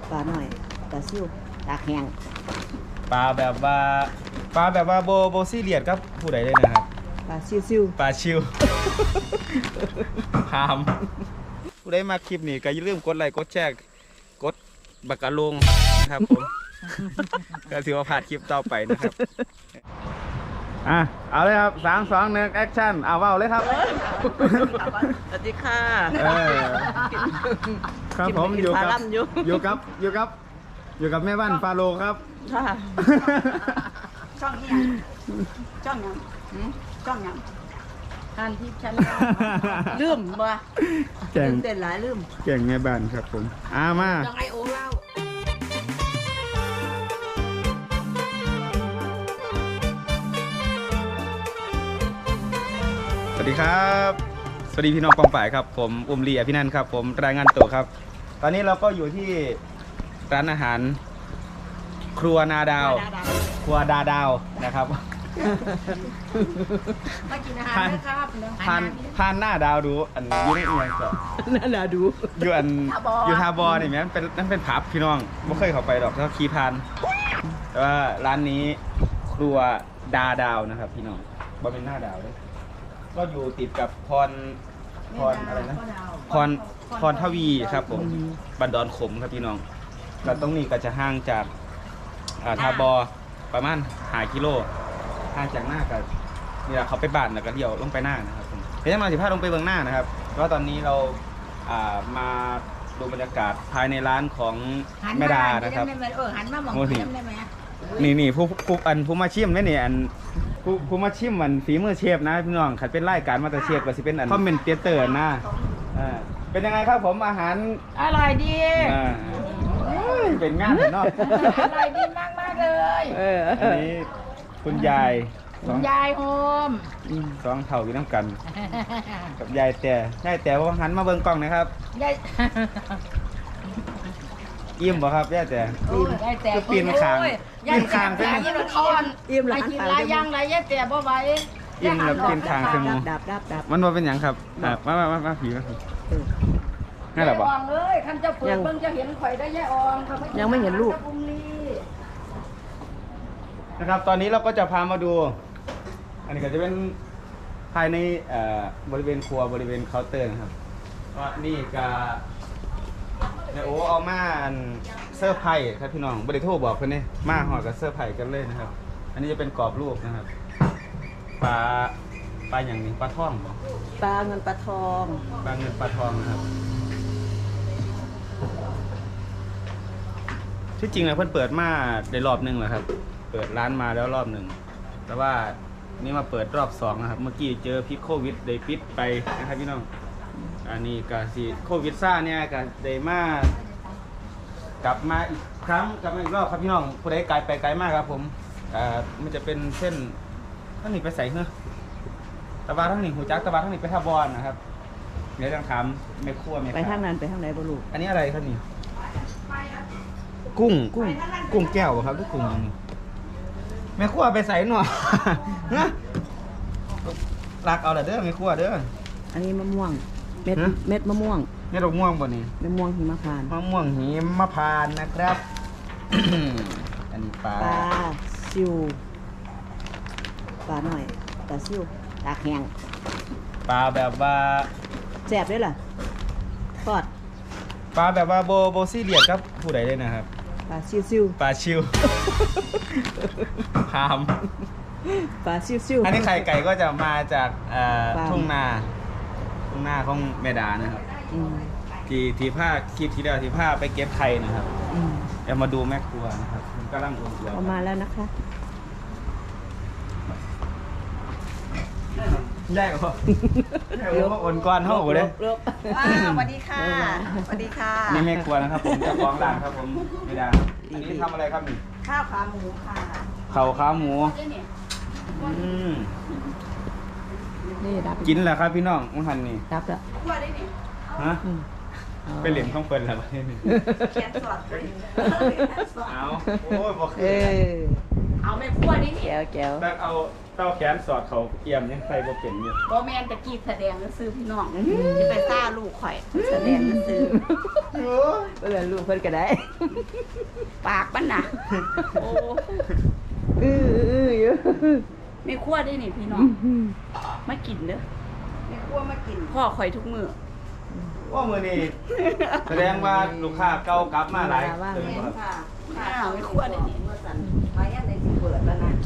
ปลาหน่อยปลาซิ่วตากแห้งปลาแบบว่าโบซี่เลียดครับผู้ใดได้นะครับปลาซิ่วปลาชิวพามผู้ใดมาคลิปนี้ก็อย่าลืมกดไลค์กดแชร์กดบักกะลงนะครับผมก็ถือว่าผ่านคลิปต่อไปนะครับเอาเลยครับ3 2 1แอคชั่นเอาเว้าเลยครับสวัสดีค่ะครับผมอยู่กับแม่บ้านฟาโลครับช่องนี้ช่องยังทานทิพย์ชั้นลืมบ่แก่งเต้นหลายลืมแก่งแม่บ้านครับผมมายังไงโอ้เล่าสวัสดีครับสวัสดีพี่น้องกองฝ่ายครับผมอุ้มลีอภินันท์ครับผมรายงานตัวครับตอนนี้เราก็อยู่ที่ร้านอาหารครัวนาดาวครัวดาดาวนะครับมากินอาหารนะครับผ่านหน้าดาวดูอันยุ่งเอียงก่อนหน้าดาวดูอยู่อยู่ทาบอนี่แม่นั่นเป็นผับพี่น้องไม่เคยเข้าไปหรอกถ้าขี่ผ่านแต่ว่าร้านนี้ครัวดาดาวนะครับพี่น้องบ่เป็นหน้าดาวเลยก็อยู่ติดกับพรอะไรนะพรทวีครับผมบันดอนขมครับพี่น้องแล้วตรงนี้ก็จะห่างจากทาบอประมาณ5 กิโลห่างจากหน้ากับนี่แหละเขาไปบ้านแล้วก็เดี่ยวลงไปหน้านะครับผมเดี๋ยวจะมา15ลงไปเบื้องหน้านะครับก็ตอนนี้เรามาดูบรรยากาศภายในร้านของแม่ดานะครับหันมาหมองได้ไหมนี่ผู้มาชิมนี่อันผู้มาชิมมันฝีมือเชฟนะพี่น้องขัดเป็นรายการมาสเตอร์เชฟก็สิเป็นอันคอมเมนเตอร์นะเป็นยังไงครับผมอาหารอร่อยดีเป็นงานเนาะอร่อยดีมากเลยอันนี้คุณยายโฮม 2 เท่าอยู่น้ำกันกับยายแต่ว่าหันมาเบิ่งกล้องนะครับยายอิ่มบ่ครับย่าแต่ปีนคางเป็นอิ่มหลายกินหลายอย่างหลายย่าแต่บ่ไหวอิ่มแล้วปีนคางคือดับมันบ่เป็นหยังครับมาผีนั่นแหละบ่เอ้ยคันเจ้าเปิดเบิ่งจะเห็นข่อยได้ย่าอองยังไม่เห็นลูกนะครับตอนนี้เราก็จะพามาดูอันนี้ก็จะเป็นภายในบริเวณครัวบริเวณเคาน์เตอร์นะครับก็นี่ก็โอ้เอามาเซอร์ไพรส์ครับพี่น้องบริโภคบอกเพื่อนนี่มาห่อกับเซอร์ไพรส์กันเลยนะครับอันนี้จะเป็นกรอบรูปนะครับปลาอย่างนี้ปลาท่องปลาเงินปลาทองนะครับที่จริงนะเพื่อนเปิดมาได้รอบนึงแล้วครับเปิดร้านมาแล้วรอบหนึ่งแต่ว่านี่มาเปิดรอบ2นะครับเมื่อกี้เจอพิษโควิดได้ปิดไปนะครับพี่น้องอันนี้ก็สิโควิดซ่าเนี่ยก็ได้มากลับมาอีกครั้งกลับมาอีกรอบครับพี่น้องผู้ใดไกลไปไกลมากครับผมมันจะเป็นเส้นทั้งนี้ไปใส่เหรอตะวันทั้งนี้หูจักตะวันทั้งนี้ไปท่าบอลนะครับเดี๋ยวจะถามแม่ครัวไปทางนั้นไปทางไหนบ่ลูกอันนี้อะไรครับนี่กุ้งแก้วครับทุกกุ้งแม่ครัวไปใส่หน่อยนะรักเอาละเด้อแม่ครัวเด้ออันนี้มะม่วงเม็ดมะม่วงเม็ดม่วงบ่นี่มะม่วงหิมพานต์มะม่วงหิมพานต์นะครับ อันนี้ปลาซิวปลาหน่อยปลาซิวตากแห้งปลาแบบว่าแซ่บด้วยล่ะทอดปลาแบบว่าโบซี่เลียดครับผู้ใดได้นะครับปลาซิวปลาชิวพามปลาซิวอันนี้ไข่ไก่ก็จะมาจากทุ่งนาของเมดานะครับทีผ้าคลิปที่แล้วทีผ้าไปเก็บไข่นะครับจะมาดูแม่ครัวนะครับผมกำลังอุ่นตัวออกมาแล้วนะคะได้เหรออ่อนก้อนเท่าไหร่เลยสวัสดีค่ะนี่แม่ครัวนะครับผมจะฟ้องร้านครับผมเมดาอันนี้ทำอะไรครับนี่ข้าวขาหมูค่ะขาหมูนี่ดับกินแหละครับพี่น้องมังหันนี่ดับแล้วฮะไปเหลี่ยมข้องเปิลแล้วนี่แขนสอดเอาโอ้ยบอกเอาแม่ครัวนี่นี่แก้วแก้วแต่เอาเต้าแขนสอดเขาเอี่ยมยังใส่บ่เป็นอยู่บ่แม่นตะกี้แสดงแล้วซื้อพี่น้องจะไปซ่าลูกข่อยแสดงแล้วซื้อเพื่อนลูกเพื่อนก็ได้ปากมันน่ะโอ้อยู่แม่ครัวได้นี่พี่น้องมากินเด้อแม่ครัวมากินพ่อข่อยทุกมื้อว่ามือนี่แสดงว่าลูกค้าเก่ากลับมาหลายเดือนบ่ครับค่ะข้าวแม่ครัวได้นี่มายันในสิเปิดแล้วนะ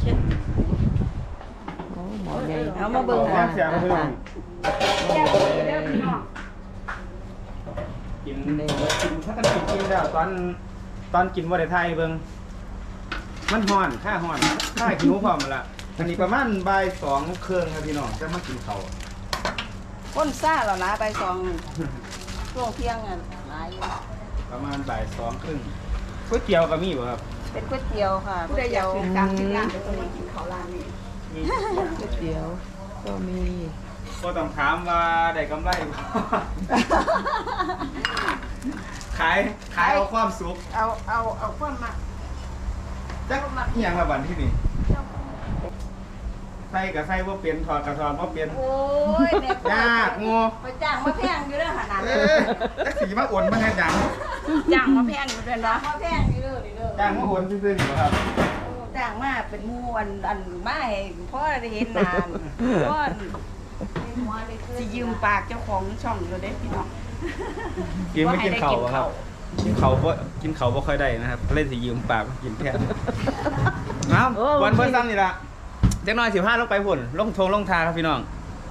หมอใหญ่เอามาเบิ่งแซ่บเสียงพี่น้องแก้วเด้อพี่น้องกินถ้ากันกินแล้วตอนกินบ่ได้ทายเบิ่งมันฮ้อนค่าฮ้อนค่ากินหมูพร้อมละอันนี้ประมาณบ่าย2 เครื่องครับพี่น้องจะมากินข้าวคนซ่าแล้วนะไปซองช่วงเที่ยงอ่ะหลายอยู่ประมาณบ่าย2 ครึ่งก๋วยเตี๋ยวก็มีบ่ครับเป็นก๋วยเตี๋ยวค่ะก๋วยเตี๋ยวกลางกินร้านเดี๋ยวจะมากินข้าวร้านนี้มีก๋วยเตี๋ยวก็มีก็ต้องถามว่าได้กำไรบ่ ขายเอาความสุขเอาความมาจักอหย่างละบันที่นี่ใส่กับใส่ว่าเปลี่ยนถอดกับถอดว่าเปลี่ยนโอ้ยแม่ยากงูไปจ้างมาแพงอยู่เด้อขนาดเอนั้นอจักสีมาอ่วนมาแทนจังจ้างมาแพงอยู่เด้อเนาะมาแพงอยู่เด้อนี่เด้อจ้างมาอ่วนซื่อๆนี่บ่ครับจ้างมาเป็นหมู่อันมาให้พ่อได้เห็นหน้าพ่อสิยืมปากเจ้าของช่องอยู่เด้พี่น้องกินไม่กินเข่าบ่ครับกินเข่าบ่ค่อยได้นะครับเล่นสิยืมปากกินแทนเอาวันเพิ่นซ้ำนี่ล่ะจักหน่อย15ลงไปพุ่นลงทาครับพี่น้อง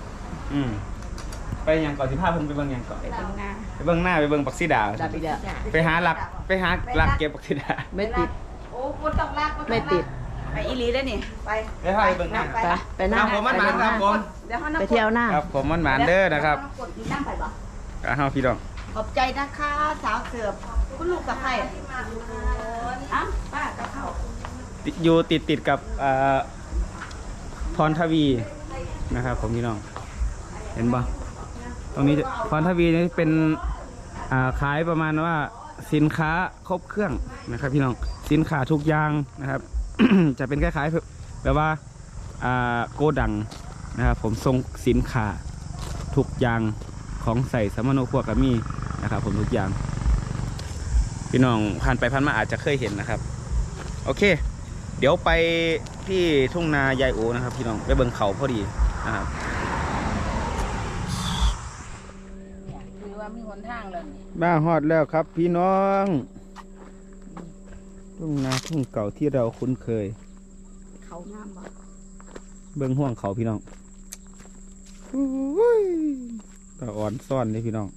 ไปหยังก่อน15เพิ่นไปเบิ่งหยังก่อนไปทำงานไปเบิ่งหน้าไปเบิ่งปักสีดาดับอีกแล้วไปหาหลักเก็บปักสีดาไม่ติดโอ้คนต้องลากไม่ติดไปอีหลีได้อนี่ไปไปให้เบิ่งหน้าไปไปนั่งผมมันหมานครับผมเดี๋ยวเขานั่งไปเที่ยวหน้าครับผมมันหมานเด้อนะครับกดนั่งไปบ่เฮาพี่น้องขอบใจนะคะสาวเสือบคุณลูกกับใครอ่ะป้ากับเขาอยู่ติดกับพรทวีนะครับผมพี่น้องเห็นปะตรงนี้พรทวีนี่เป็นขายประมาณว่าสินค้าครบเครื่องนะครับพี่น้องสินค้าทุกอย่างนะครับ จะเป็นคล้ายๆแบบว่าโกดังนะครับผมส่งสินค้าทุกอย่างของใส่สมโนครัวกับมีนะครับผมทุกอย่างพี่น้องผ่านไปผ่านมาอาจจะเคยเห็นนะครับโอเคเดี๋ยวไปที่ทุ่งนายายโอนะครับพี่น้องไปเบิ่งเขาพอดีนะครับคือว่ามีหนทางเลยบ้าฮอดแล้วครับพี่น้องทุ่งนาทุ่งเก่าที่เราคุ้นเคยเขางามบ่เบิ่งห่วงเขาพี่น้องอุ้ยตาอ่อนซ่อนเลยพี่น้อง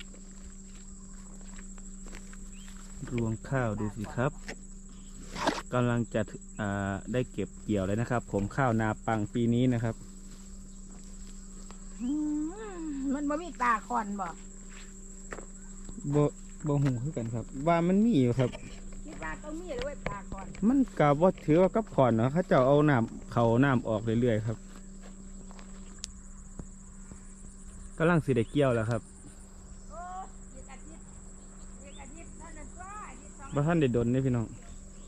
รวงข้าวดูสิครับกำลังจะได้เก็บเกี่ยวเลยนะครับ ผมข้าวนาปังปีนี้นะครับมันบ่มีตาคอนบ่บ่หูคือกันครับ ว่ามันมีอยู่ครับมีตาต้องมีเลยเว้ยตาคอนมันกับว่าถือว่ากับขอนเนาะเขาจะเอาน้ำออกเรื่อยๆครับกำลังสิได้เกี่ยวแล้วครับบ่ท่านได้ดนนี่พี่น้อง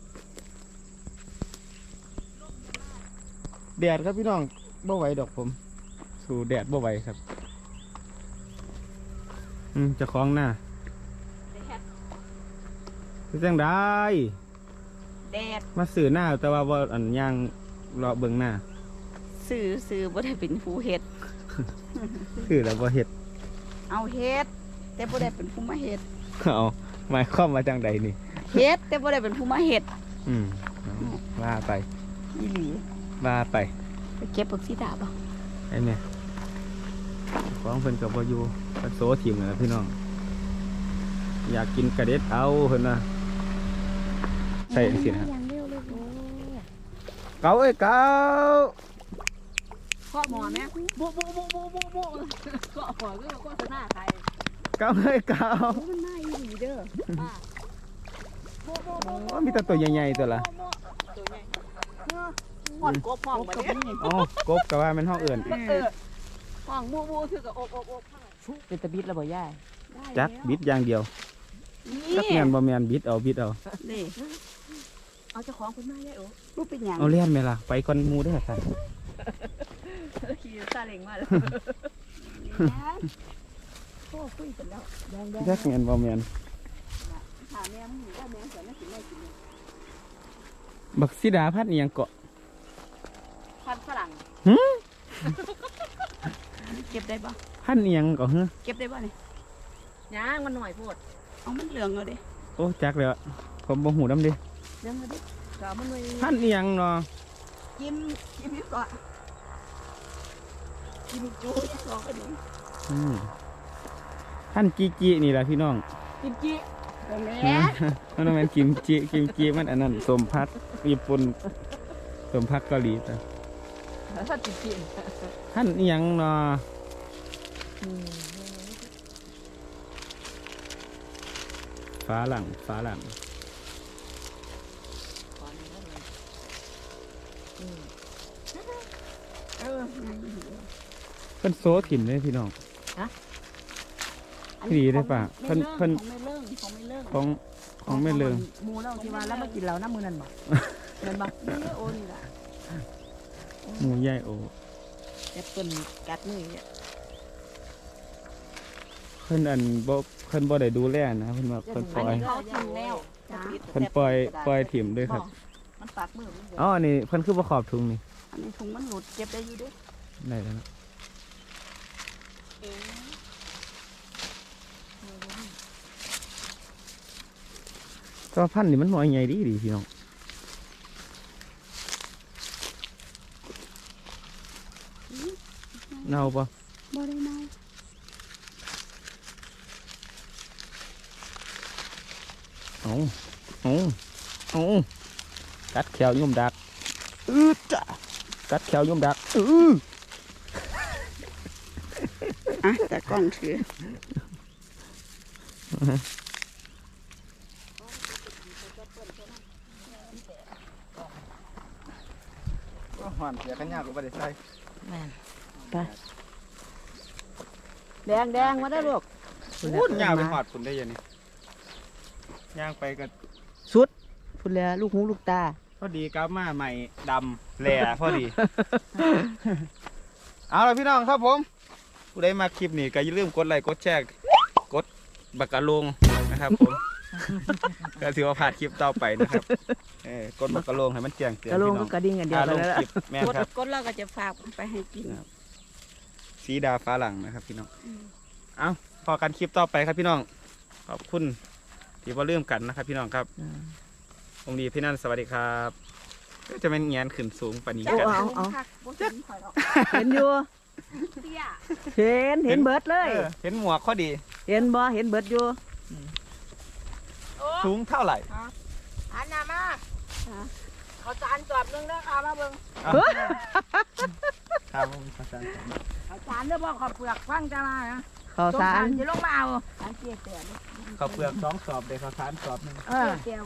แดดครับพี่น้องบ่ไหวดอกผมสู่แดดบ่ไหวครับจะคล้องหน้าคือจังได้แดดมาสื่อหน้าแต่ว่าอันย่างรอเบิ่งหน้าซื้อบ่ได้เป็นผู้เฮ็ดคือแล้วบ่เฮ็ดเอาเฮ็ดแต่บ่ได้เป็นผู้มาเฮ็ดเอาหมายความมาจังใดนี่เฮ็ดแต่บ่ได้เป็นผู้มาเฮ็ดว่าไปอีหลีว่าไปไปเก็บผักชีดาบ่ไอ้เนี่ยของเพิ่นกับบ่อยู่เพิ่นโซทีมนั่นล่ะพี่น้องอยากกินกระเด็ดเอาเพิ่นน่ะใส่จังซี่นะครับเกาเอ้ยเกาข้อหมอแม่โบข้อหมอคือโฆษณาใครเกาเอ้ยเกามันน่าอีหลีเด้อป้าโอ้มีแต่ตัวใหญ่ๆตัวละตัวใหญ่หอนกบห้องบ่เนี่ยอ๋อกบก็ว่ามันห้องเอื่นห้องบูคือกับอกเป็นตะบิดแล้วบ่ย่าจักบิดอย่างเดียวจักแม่นบ่แม่นบิดเอานี่เอาเจ้าของคุณมาได้โอ้ลูกเป็นหยังเอาเลี้ยนไหมล่ะไปก่อนหมูได้อค่ะขี่ซาเล้งมาแล้วโอ้คุยกันแล้วแดงแยกเงินบ่แม่นถามแม่มึงว่าแม่สอนนักสิไม่กินบักซิดาพัดอีหยังเกาะพันฝรั่งหึเก็บได้ปะพันอีหยังเกาะฮะเก็บได้ปะเนี่ยย่างมันหน่อยโพดเอามันเหลืองเลยดิโอ้จักแล้วผมบ่หูนำดิเหลืองเลยดิก็มันหน่อยพันอีหยังเนาะกินดีกว่ากินจูสองกันนี้พันจีจีนี่ล่ะพี่น้องกินจีตรงนี้มันแม่นกิมจิมันอันนั้นสมพัดญี่ปุ่นสมพัดเกาหลีแต่ถ้าติดกินพันอีหยังเนาะฟ้าหลังเออเพิ่นโซถิ่มเลยพี่น้องพี่ดีได้ป่ะเพิ่นของไม่เลิ่งของไม่เลิ่งของไม่เลิงหมูเราที่ว่าแล้วมากินเราน้ำมือนั่นบ่เงินบ่นี่โอนี่แหละหมูใหญ่โอแอปเปิ้ลกัดมือเนี่ยเพิ่นอันบ่เพิ่นบ่ได้ดูแลนะเพิ่นว่าเพิ่นปล่อยเขาทิ้งแล้วเพิ่นปล่อยถิ่มด้วยครับมันปากมือมันอ๋ออันนี้เพิ่นคือบ่ขอบถุงนี่อันนี้ถุงมันหลุดเก็บได้อยู่ด้วยได้แล้วนะก็พันธุ์นี่มันหน่อยใหญ่ดีพี่น้องเน่าปะบ่ได้เมาเอากัดแขวยุ่มดักจ้ะกัดแขวยุ่มดักอ่ะแต่กล้องถือหวานเสียกันยากกว่าได้ใส่แม่นไปแดงมาได้ลูกพูดยาวไปหอดฝุ่นได้ยังนี่ย่างไปก็สุดพุ่นแล้วลูกหูลูกตาพอดีกลับมาใหม่ดำแหล่พอดี เอาละพี่น้องครับผมผู้ใดมาคลิปนี้ก็อย่าลืมกดไลค์กดแชร์กดบักกะลงนะครับผม ก็ถือว่าผ่านคลิปต่อไปนะครับกดบักกะลงให้มันแจ้งเตือนกระโลงพี่น้ก็องกระดิ่งกันเดียวลกันงแล้วคลิปแม่นครับกดแล้วก็จะฝากไปให้กินสีดาฟ้าหลังนะครับพี่น้องเอาพอกันคลิปต่อไปครับพี่น้องขอบคุณที่มาเริ่มกันนะครับพี่น้องครับองค์ดีพี่นั่นสวัสดีครับจะเป็นเงียนขึ้นสูงปานนี้กันเอาจักข่อยหรอกเห็นอยู่เตี้ยเห็นเบิดเลยเห็นหมวกข้อดีเห็นบ่เห็นเบิดอยู่สูงเท่าไหร่อันน่ะมาเขาจานจอบนึงนะค่ะมาเบิ่งครับผมอาจารย์เขาจานเด้อบ่ขอเปลือกฟังจะมานะข้าวสารจะลงมาเอาจานเจี๊ยบเตี้ยข้าวเปลือก2 สอบเด็กข้าวสารสอบ 1 เตี้ย